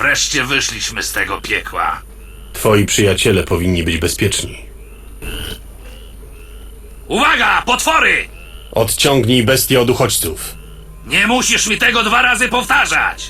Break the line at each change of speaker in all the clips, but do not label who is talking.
wreszcie wyszliśmy z tego piekła.
Twoi przyjaciele powinni być bezpieczni.
Uwaga, potwory!
Odciągnij bestię od uchodźców.
Nie musisz mi tego 2 razy powtarzać!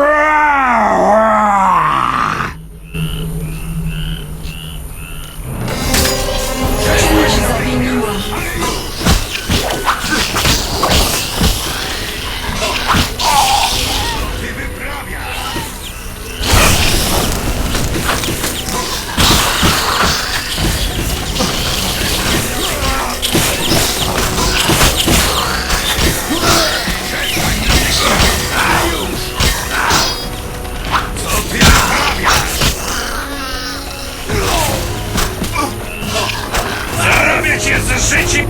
Zarobię cię z życiem!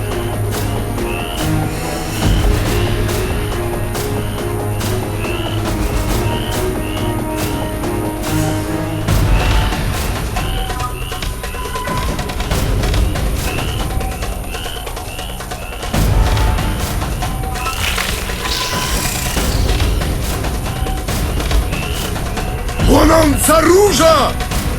Płonąca róża!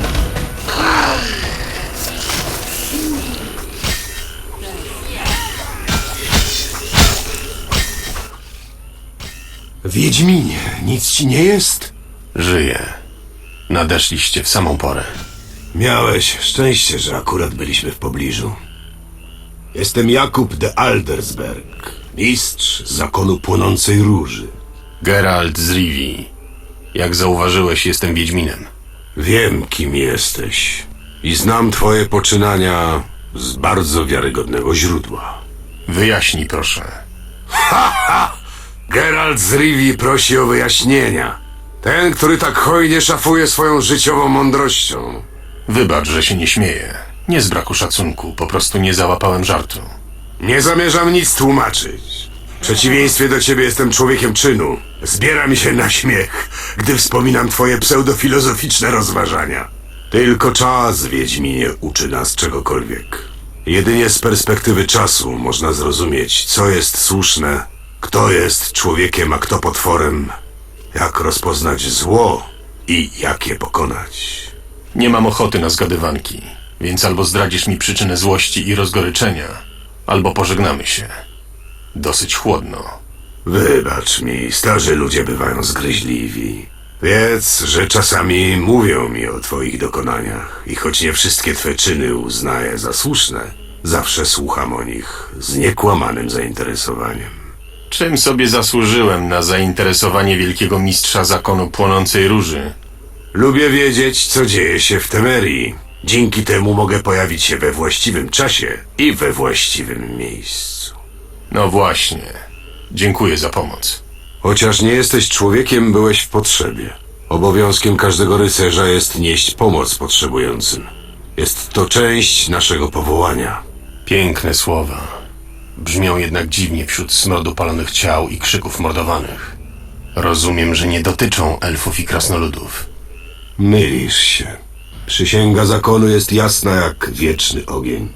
Wiedźminie, nic ci nie jest?
Żyję. Nadeszliście w samą porę.
Miałeś szczęście, że akurat byliśmy w pobliżu. Jestem Jakub de Aldersberg, mistrz zakonu płonącej róży.
Geralt z Rivii. Jak zauważyłeś, jestem Wiedźminem.
Wiem, kim jesteś i znam twoje poczynania z bardzo wiarygodnego źródła.
Wyjaśnij, proszę.
Geralt z Rivii prosi o wyjaśnienia. Ten, który tak hojnie szafuje swoją życiową mądrością.
Wybacz, że się nie śmieję. Nie z braku szacunku, po prostu nie załapałem żartu.
Nie zamierzam nic tłumaczyć. W przeciwieństwie do ciebie jestem człowiekiem czynu. Zbiera mi się na śmiech, gdy wspominam twoje pseudofilozoficzne rozważania. Tylko czas, Wiedźminie, uczy nas czegokolwiek. Jedynie z perspektywy czasu można zrozumieć, co jest słuszne, kto jest człowiekiem, a kto potworem, jak rozpoznać zło i jak je pokonać.
Nie mam ochoty na zgadywanki, więc albo zdradzisz mi przyczynę złości i rozgoryczenia, albo pożegnamy się. Dosyć chłodno.
Wybacz mi, starzy ludzie bywają zgryźliwi. Wiedz, że czasami mówią mi o twoich dokonaniach i choć nie wszystkie twe czyny uznaję za słuszne, zawsze słucham o nich z niekłamanym zainteresowaniem.
Czym sobie zasłużyłem na zainteresowanie wielkiego mistrza zakonu płonącej róży?
Lubię wiedzieć, co dzieje się w Temerii. Dzięki temu mogę pojawić się we właściwym czasie i we właściwym miejscu.
No właśnie. Dziękuję za pomoc.
Chociaż nie jesteś człowiekiem, byłeś w potrzebie. Obowiązkiem każdego rycerza jest nieść pomoc potrzebującym. Jest to część naszego powołania.
Piękne słowa. Brzmią jednak dziwnie wśród smrodu palonych ciał i krzyków mordowanych. Rozumiem, że nie dotyczą elfów i krasnoludów.
Mylisz się. Przysięga zakonu jest jasna jak wieczny ogień.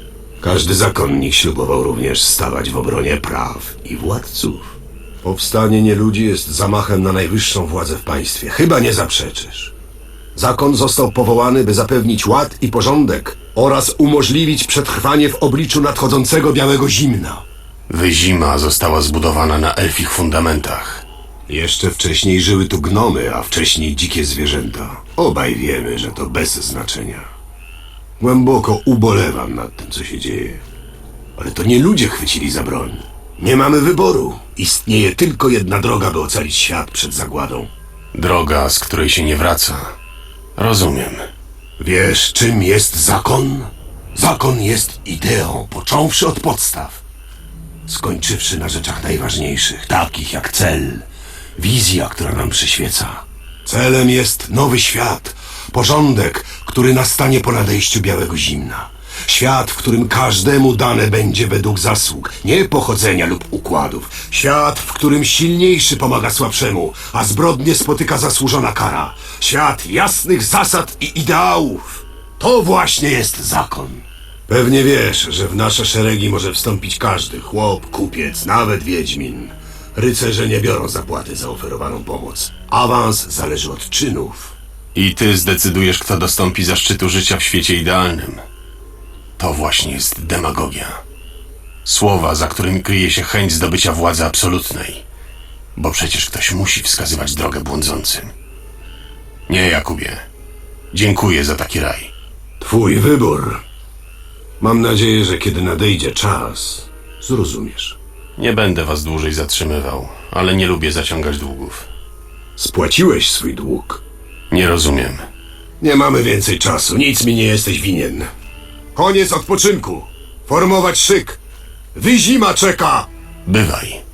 Każdy zakonnik ślubował również stawać w obronie praw i władców. Powstanie nieludzi jest zamachem na najwyższą władzę w państwie. Chyba nie zaprzeczysz. Zakon został powołany, by zapewnić ład i porządek oraz umożliwić przetrwanie w obliczu nadchodzącego białego zimna.
Wyzima została zbudowana na elfich fundamentach.
Jeszcze wcześniej żyły tu gnomy, a wcześniej dzikie zwierzęta. Obaj wiemy, że to bez znaczenia. Głęboko ubolewam nad tym, co się dzieje. Ale to nie ludzie chwycili za broń. Nie mamy wyboru. Istnieje tylko jedna droga, by ocalić świat przed zagładą.
Droga, z której się nie wraca. Rozumiem.
Wiesz, czym jest zakon? Zakon jest ideą, począwszy od podstaw. Skończywszy na rzeczach najważniejszych, takich jak cel, wizja, która nam przyświeca. Celem jest nowy świat, porządek, który nastanie po nadejściu białego zimna. Świat, w którym każdemu dane będzie według zasług, nie pochodzenia lub układów. Świat, w którym silniejszy pomaga słabszemu, a zbrodnie spotyka zasłużona kara. Świat jasnych zasad i ideałów. To właśnie jest zakon. Pewnie wiesz, że w nasze szeregi może wstąpić każdy, chłop, kupiec, nawet wiedźmin. Rycerze nie biorą zapłaty za oferowaną pomoc. Awans zależy od czynów.
I ty zdecydujesz, kto dostąpi zaszczytu życia w świecie idealnym. To właśnie jest demagogia. Słowa, za którymi kryje się chęć zdobycia władzy absolutnej. Bo przecież ktoś musi wskazywać drogę błądzącym. Nie, Jakubie. Dziękuję za taki raj.
Twój wybór. Mam nadzieję, że kiedy nadejdzie czas, zrozumiesz.
Nie będę was dłużej zatrzymywał, ale nie lubię zaciągać długów.
Spłaciłeś swój dług.
Nie rozumiem.
Nie mamy więcej czasu, nic mi nie jesteś winien. Koniec odpoczynku. Formować szyk. Wyzima czeka!
Bywaj.